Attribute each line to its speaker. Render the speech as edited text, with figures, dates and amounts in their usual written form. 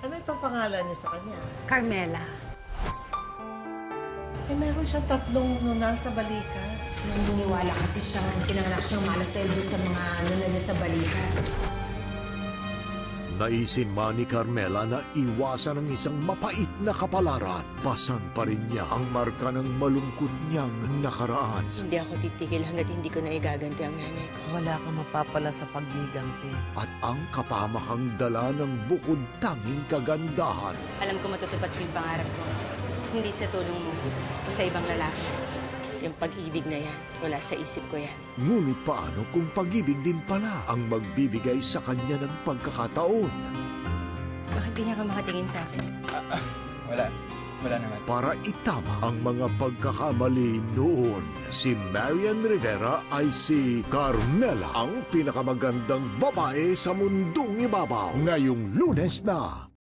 Speaker 1: Ano ipapangalan niyo sa kanya?
Speaker 2: Carmela.
Speaker 1: Eh, meron siyang 3 nunal sa balikat.
Speaker 3: Naniniwala kasi siyang pinanganak siyang malasweldo sa mga nunal niya sa balikat.
Speaker 4: Naisin man ni Carmela na iwasan ang isang mapait na kapalaran. Pasan pa rin niya ang marka ng malungkot niyang nakaraan.
Speaker 5: Hindi ako titigil hanggat hindi ko na igaganti ang nanay ko.
Speaker 1: Wala kang mapapala sa paggiganti.
Speaker 4: At ang kapamakang dala ng bukod tanging kagandahan.
Speaker 5: Alam ko matutupad ko yung pangarap ko. Hindi sa tulong mo o sa ibang lalaki. Yung pag-ibig na yan, wala sa isip ko yan.
Speaker 4: Ngunit paano kung pag-ibig din pala ang magbibigay sa kanya ng pagkakataon?
Speaker 5: Bakit di niya ka makatingin sa akin?
Speaker 6: Wala naman.
Speaker 4: Para itama ang mga pagkakamali noon. Si Marian Rivera ay si Carmela, ang pinakamagandang babae sa mundong ibabaw. Ngayong Lunes na.